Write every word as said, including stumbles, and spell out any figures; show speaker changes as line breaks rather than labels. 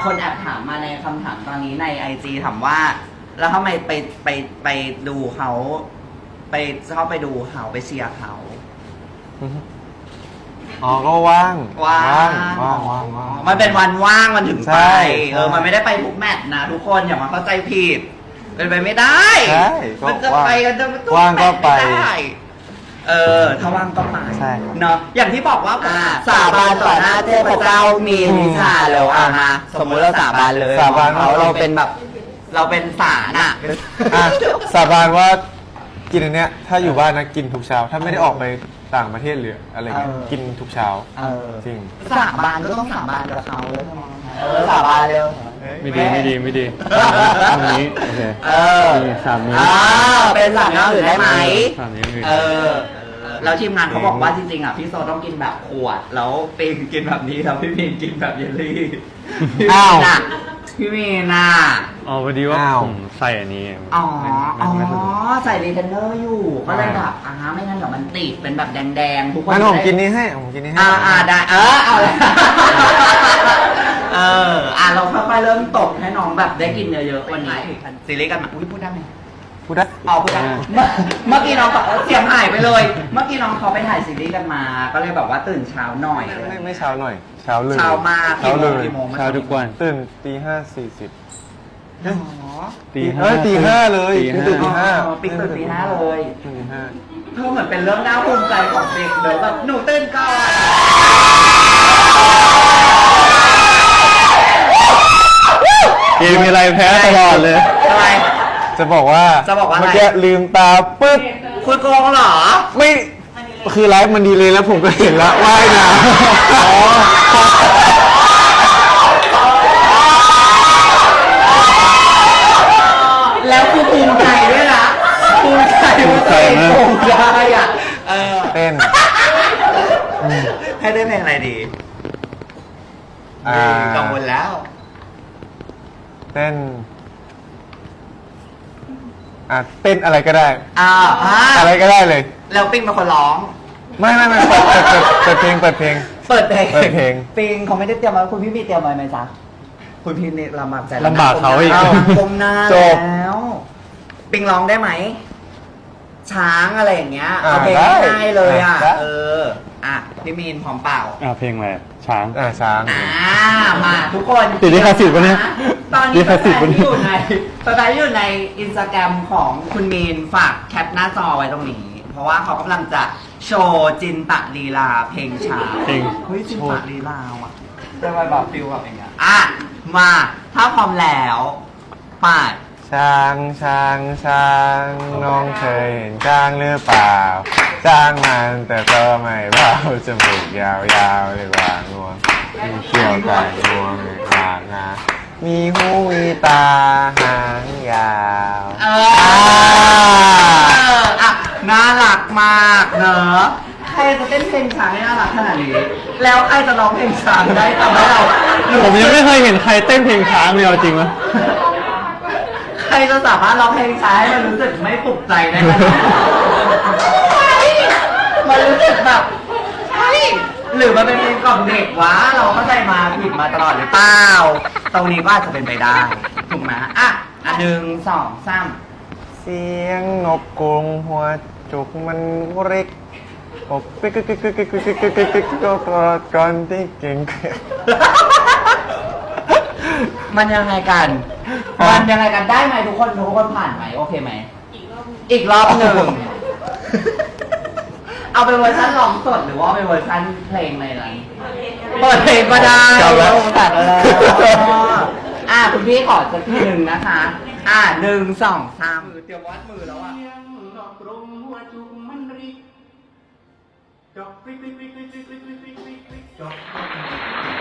คนแอบถามมาในคำถามตอนนี้ในไอจีถามว่า แล้วทำไมไปไปไปดูเขาไปชอบไปดูเขาไปเชียร์เขา
อ๋อก็ว่าง
ว่าง
ว่างว่างว่าง
มันเป็นวันว่างมันถึงไป
ใช่
เออมันไม่ได้ไปทุกแมตช์นะทุกคนอย่ามาเข้าใจผิดเป็นไปไม่ได้
ใช่ก็
มันจะไปกันจะทุ
ว่างก็ไป
แมตช์ม่ด้เออถ้าว่างก็ไป
ใช่ครับ
เนาะอย่างที่บอกว่าสาบานต่อหน้าเทพเจ้ามีวิชาแล้วอ่ะฮะสมมุติเราสาบานเลย
สาบาน
เขาเราเป็นแบบ เราเป็นสารอ่ะ
อ่ะสาบานว่ากินอันเนี้ยถ้าอยู่บ้านนะกินทุกเช้า ถ้าไม่ได้ออกไปต่างประเทศหรืออะไรเงี้ย
เออ
กินทุกเช้า
เออ
จริง
สาบานก็ต้องสาบานกับเขาเลยเออสาบานเร็ว
ไม่ดีไม่ดีไม่ดีตรงนี้โอเค
เออ
นี่สามนิ้ว
อ่าเป็นสามนิ้วอื่นได้ไหม
สามนิ้วอื่น
เออแล้วทีมงานเขาบอกว่าจริงๆอ่ะพี่โซต้องกินแบบขวดแล้วปิงกินแบบนี้แล้วพี่มีนกินแบบเยลลี่พี่มี
อ้าว
นอ่ะพี่มีนอ่ะ
อ๋อพอดีว่า
อ้าว
ผมใส่อันนี้
อ๋อ
ไม่
อ๋อ
ไม่ไม่สะดวก
ใส่รีเทนเนอร์อยู่ก็เลยแบบอ่าไม่งั้นเดี๋ยวมันติดเป็นแบบแดงๆทุกคน
งั้นผม
จะได้
กินนี้ให้ผมกินนี้ให้
อ่าอ่าได้เออเอาเลย เอออ่ะเราค่อยๆเริ่มตกให้น้องแบบได้กินเยอะๆวันนี้ซีรีส์กันมาอุ้ยพูดได้ไหม
พูดได้
เอาพูดได้เมื่อเมื่อกี้น้องบอกเสียงหายไปเลย เมื่อกี้น้องเขาไปถ่ายซีรีส์กันมา ก็เลยแบบว่าตื่นเช้าหน่อย
ไม่ไม่เช้าหน่อย เช้าเลย
เช้ามาก
เช้าเลย
กี่โมง
เช้าทุกวัน
ตื่นตีห้าสี่สิบ
อ๋อ
ตี
เอ้ยตีห้าเลย
ตี
ตื่นตี
ห้า
ห้า
อ๋อปิ๊กตื่นตีห้าเลย
ตื่นตีห้า
เธอเหมือนเป็นเรื่องน่าภูมิใจของเด็กเดี๋ยวแบบหนูตื่นก่อน
เกมมีอะไรแพ้ตลอดเลย
ทำไม
จะบอกว่า
จะบอกว่าอะไร
เมื่อกี้ลืมตาปึ๊บ
คุณโกงเหรอ
ไม่คือไลฟ์มันดีเลยแล้วผมก็เห็นแล้วว่ายน้ำอ๋อ
แล้วคือภูมิใจด้วยนะภูมิใจว่าตัวเองโกงได้อ่ะเออ
เต้น
ให้ได้เพลงอะไรดี
อ่า
กังวลแล้ว
เต้นอ่ะเต้นอะไรก็ได้
อ่าอ่า
อะไรก็ได้เลย
แล้วปิงเป็นคนร้อง
ไม่ไม่ไม่เปิดเปิดเปิดเปิดเพลงเปิดเพลง
เปิดเพลง
เปิดเพลง
ปิงเขาไม่ได้เตรียมมาคุณพี่มีเตรียมไว้ไหมจ๊ะคุณพี่นี่ลำบากใจ
ลำบากเขาอีก
กลมหน้า
จบ
แล้วปิงร้องได้ไหม ช้างอะไรอย่างเงี้ย
อ่า
เอาเพลง
ได้
ง่ายๆเลยอ่ะ
ได้
เออ อ่ะพี่มีนพร้อมเปล่า
อ่าเพลงอะไรช้าง
อ่าช้าง
อ่ามาทุกคน
ติดลิขสิทธิ์ปะเนี่ย
ตอน
ลิ
นี้
ขสิทธิ์
แฟ
ปะ
น
เนี่ย
ที่อยู่ในแฟนที่อยู่ในอินสตาแกรมของคุณมีนฝากแคปหน้าจอไว้ตรงนี้ เพราะว่าเขากำลังจะโชว์จินตะลีลาเพลงช้า
เพลง
เฮ้ยจินตะลีลาว่ะจะไปแบบฟิลแบบอย่างเงี้ยอ่ะมาถ้าพร้อมแล้วไป้า
ช้างช้างช้างน้องเคยเห็นช้างหรือเปล่าช้างมันแต่ก็ไม่เบาจมูกยาวๆเลยกว่างวงมีเขี้ยวไก่งวงเลยกว่างามีหูมีตาหางยาว
เอออ่ะน่ารักมากเนอะใครจะเต้นเพลงช้างให้น่ารักขนาดนี้ แล้วใครจะร้องเพลงช้างได้ทำให้เรา
ผมยังไม่เคยเห็นใครเต้นเพลงช้างเลยเอาจริงไหม
ใครจะสามารถร้องเพลงช้าให้มันรู้สึกไม่ปลุกใจได้ไหมมันรู้สึกแบบใช่หรือมันเป็นเพลงกล่อมเด็กวะเราเข้าใจมาผิดมาตลอดหรือเปล่าตรงนี้ก็อาจจะเป็นไปได้ถูกไหมอ่ะอ่ะหนึ่งสองสาม
เสียงนกกรงหัวจุกมันเร็กอกปิ๊กกิ๊กกิ๊กกิ๊กกิ๊กกิ๊กกิ๊กกิ๊กก็กอดก่อนที่เก่ง
มันยังไงกัน มันยังไงกันได้ไหมทุกคนทุกคนผ่านไหมโอเคไหม อีกรอบหนึ่ง เอาเป็นเวอร์ชันร้องสดหรือว่าเป็นเวอร์ชันเพลงในอะไรเปิดเพลงก็ได้
เอาแล้ว
ตัดแล้วอ่ะคุณพี่ขอสักทีหนึ่งนะคะ อ่ะหนึ่งสองสามเตรียมวัดมือแล้วอ่ะดอกกรงหัวจุกมันริกดอกปริกปริกปริกปริกปริกปริกปริกปริกดอก